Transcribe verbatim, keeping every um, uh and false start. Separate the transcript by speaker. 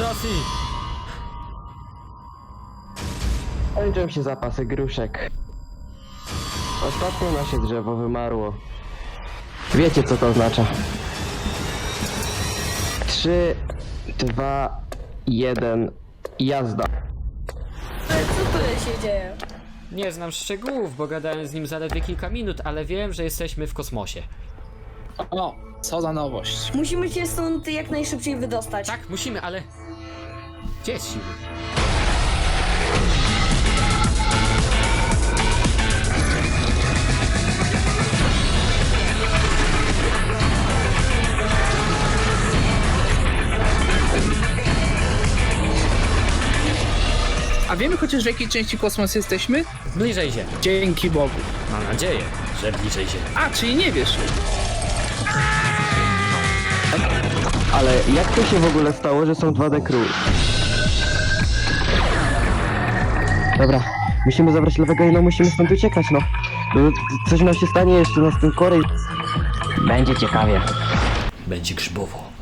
Speaker 1: Rosji!
Speaker 2: Kończą się zapasy gruszek. Ostatnio nasze drzewo wymarło. Wiecie co to oznacza? Trzy, dwa, jeden, jazda.
Speaker 3: Ale co tutaj się dzieje?
Speaker 1: Nie znam szczegółów, bo gadałem z nim zaledwie kilka minut, ale wiem, że jesteśmy w kosmosie.
Speaker 4: O, co za nowość.
Speaker 3: Musimy się stąd jak najszybciej wydostać.
Speaker 1: Tak, musimy, ale... Gdzie jest siły?
Speaker 4: A wiemy chociaż w jakiej części kosmosu jesteśmy?
Speaker 1: Bliżej Ziemi.
Speaker 4: Dzięki Bogu.
Speaker 1: Mam nadzieję, że bliżej Ziemi.
Speaker 4: A, czyli nie wiesz.
Speaker 2: Ale jak to się w ogóle stało, że są dwa D crew? Dobra, musimy zabrać lewego i no musimy stąd uciekać, no. No, Coś nam się stanie jeszcze na tym korej. Będzie ciekawie.
Speaker 1: Będzie grzybowo.